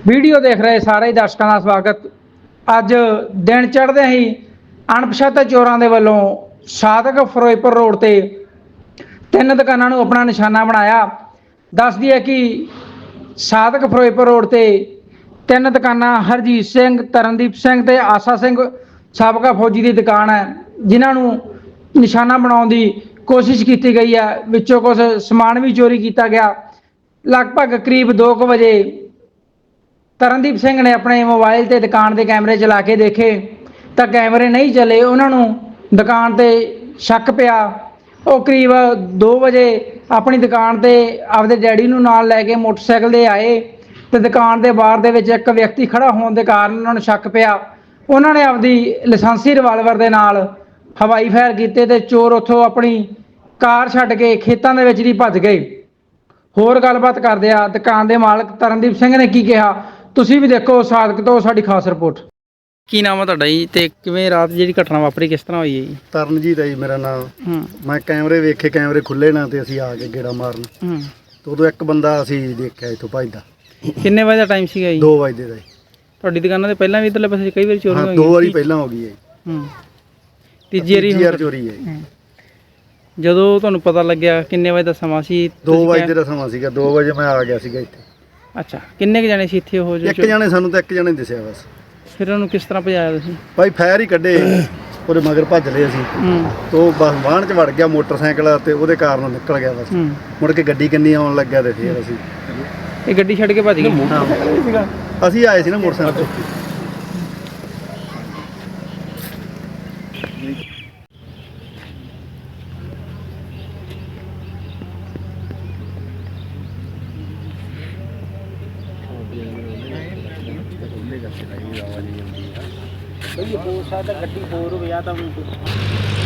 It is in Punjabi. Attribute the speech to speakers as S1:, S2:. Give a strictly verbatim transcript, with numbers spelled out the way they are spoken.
S1: ਵੀਡੀਓ ਦੇਖ ਰਹੇ ਸਾਰੇ ਦਰਸ਼ਕਾਂ ਦਾ ਸਵਾਗਤ। ਅੱਜ ਦਿਨ ਚੜ੍ਹਦੇ ਹੀ ਅਣਪਛਾਤੇ ਚੋਰਾਂ ਦੇ ਵੱਲੋਂ ਸਾਦਕ ਫਿਰੋਜ਼ਪੁਰ ਰੋਡ ਤੇ ਤਿੰਨ ਦੁਕਾਨਾਂ ਨੂੰ ਆਪਣਾ ਨਿਸ਼ਾਨਾ ਬਣਾਇਆ। ਦੱਸਦੀ ਹੈ ਕਿ ਸਾਦਕ ਫਿਰੋਜ਼ਪੁਰ ਰੋਡ ਤੇ ਤਿੰਨ ਦੁਕਾਨਾਂ ਹਰਜੀਤ ਸਿੰਘ, ਤਰਨਦੀਪ ਸਿੰਘ ਤੇ ਆਸਾ ਸਿੰਘ ਸਾਬਕਾ ਫੌਜੀ ਦੀ ਦੁਕਾਨ ਹੈ, ਜਿਨ੍ਹਾਂ ਨੂੰ ਨਿਸ਼ਾਨਾ ਬਣਾਉਣ ਦੀ ਕੋਸ਼ਿਸ਼ ਕੀਤੀ ਗਈ ਹੈ। ਵਿੱਚੋਂ ਕੁਝ ਸਮਾਨ ਵੀ ਚੋਰੀ ਕੀਤਾ ਗਿਆ। ਲਗਭਗ ਕਰੀਬ ਦੋ ਕੁ ਵਜੇ ਤਰਨਦੀਪ ਸਿੰਘ ਨੇ ਆਪਣੇ ਮੋਬਾਈਲ ਤੇ ਦੁਕਾਨ ਦੇ ਕੈਮਰੇ ਚਲਾ ਕੇ ਦੇਖੇ ਤਾਂ ਕੈਮਰੇ ਨਹੀਂ ਚੱਲੇ। ਉਹਨਾਂ ਨੂੰ ਦੁਕਾਨ ਤੇ ਸ਼ੱਕ ਪਿਆ। ਉਹ ਕਰੀਬ ਦੋ ਵਜੇ ਆਪਣੀ ਦੁਕਾਨ ਤੇ ਆਪਦੇ ਡੈਡੀ ਨੂੰ ਨਾਲ ਲੈ ਕੇ ਮੋਟਰਸਾਈਕਲ ਤੇ ਆਏ ਤੇ ਦੁਕਾਨ ਦੇ ਬਾਹਰ ਦੇ ਵਿੱਚ ਇੱਕ ਵਿਅਕਤੀ ਖੜਾ ਹੋਣ ਦੇ ਕਾਰਨ ਉਹਨਾਂ ਨੂੰ ਸ਼ੱਕ ਪਿਆ। ਉਹਨਾਂ ਨੇ ਆਪਦੀ ਲਾਇਸੈਂਸੀ ਰਿਵਾਲਵਰ ਦੇ ਨਾਲ ਹਵਾਈ ਫਾਇਰ ਕੀਤੇ ਤੇ ਚੋਰ ਉੱਥੋਂ ਆਪਣੀ ਕਾਰ ਛੱਡ ਕੇ ਖੇਤਾਂ ਦੇ ਵਿੱਚ ਦੀ ਭੱਜ ਗਏ। ਹੋਰ ਗੱਲਬਾਤ ਕਰਦੇ ਆ ਦੁਕਾਨ ਦੇ ਮਾਲਕ ਤਰਨਦੀਪ ਸਿੰਘ ਨੇ ਕੀ ਕਿਹਾ, ਤੁਸੀਂ ਵੀ ਦੇਖੋ ਸਾਦਕ ਤੋਂ ਸਾਡੀ ਖਾਸ ਰਿਪੋਰਟ।
S2: ਕੀ ਨਾਮ ਆ ਤੁਹਾਡਾ ਜੀ ਤੇ ਕਿਵੇਂ ਰਾਤ ਜਿਹੜੀ ਘਟਨਾ ਵਾਪਰੀ ਕਿਸ ਤਰ੍ਹਾਂ ਹੋਈ ਹੈ ਜੀ?
S3: ਤਰਨਜੀਤ ਹੈ ਜੀ ਮੇਰਾ ਨਾਮ।
S2: ਹੂੰ
S3: ਮੈਂ ਕੈਮਰੇ ਵੇਖੇ, ਕੈਮਰੇ ਖੁੱਲੇ ਨਾ ਤੇ ਅਸੀਂ ਆ ਕੇ ਗੇੜਾ ਮਾਰਨ
S2: ਹੂੰ
S3: ਤੇ ਉਦੋਂ ਇੱਕ ਬੰਦਾ ਅਸੀਂ ਦੇਖਿਆ ਇੱਥੋਂ ਭੱਜਦਾ।
S2: ਕਿੰਨੇ ਵਜੇ ਦਾ ਟਾਈਮ ਸੀਗਾ ਜੀ?
S3: ਦੋ ਵਜੇ ਦਾ ਜੀ।
S2: ਤੁਹਾਡੀ ਦੁਕਾਨਾਂ ਦੇ ਪਹਿਲਾਂ ਵੀ ਇੱਧਰਲੇ ਪਾਸੇ ਕਈ ਵਾਰੀ ਚੋਰੀ
S3: ਹਾਂ,
S2: ਹੋਈ?
S3: ਦੋ ਵਾਰੀ ਪਹਿਲਾਂ ਹੋ ਗਈ ਹੈ ਜੀ।
S2: ਹੂੰ ਤੀਜੀ ਵਾਰੀ
S3: ਤੀਜੀ ਵਾਰ
S2: ਹੁਣ?
S3: ਚੋਰੀ ਹੈ ਜੀ।
S2: ਹੂੰ। ਜਦੋਂ ਤੁਹਾਨੂੰ ਪਤਾ ਲੱਗਿਆ ਕਿੰਨੇ ਵਜੇ ਦਾ ਸਮਾਂ ਸੀ?
S3: ਦੋ
S2: ਤੁਸੀਂ
S3: ਵਜੇ
S2: ਕਿਹਾ-
S3: ਦਾ ਸਮਾਂ ਸੀਗਾ। ਦੋ ਵਜੇ ਮੈਂ ਆ ਗਿਆ ਸੀਗਾ ਇੱਥੇ।
S2: ਅੱਛਾ, ਕਿੰਨੇ ਕੁ ਜਾਣੇ ਸੀ ਇੱਥੇ ਉਹ ਜੋ
S3: ਇੱਕ ਜਾਣੇ ਸਾਨੂੰ ਤਾਂ ਇੱਕ ਜਾਣੇ ਦਿਸਿਆ ਬਸ।
S2: ਫਿਰ ਉਹਨੂੰ ਕਿਸ ਤਰ੍ਹਾਂ ਭਜਾਇਆ ਤੁਸੀਂ?
S3: ਭਾਈ ਫਾਇਰ ਹੀ ਕੱਢੇ, ਉਹਦੇ ਮਗਰ ਭੱਜ ਲਏ ਅਸੀਂ।
S2: ਹੂੰ
S3: ਤੋਂ ਬਸ ਵਾਹਣ 'ਚ ਵੜ ਗਿਆ ਮੋਟਰਸਾਈਕਲ ਤੇ ਉਹਦੇ ਕਾਰਨ ਨਿਕਲ ਗਿਆ ਬਸ।
S2: ਹੂੰ
S3: ਮੁੜ ਕੇ ਗੱਡੀ ਕਿੰਨੀ ਆਉਣ ਲੱਗਿਆ ਤੇ ਫਿਰ ਅਸੀਂ
S2: ਇਹ ਗੱਡੀ ਛੱਡ ਕੇ ਭੱਜ ਗਏ?
S3: ਅਸੀਂ ਆਏ ਸੀ ਨਾ ਮੋਟਰਸਾਈਕਲ ਤੇ।
S2: ਬਈ ਹੋ ਸਕਦਾ ਗੱਡੀ ਹੋਰ ਹੋਵੇ ਆ ਤਾਂ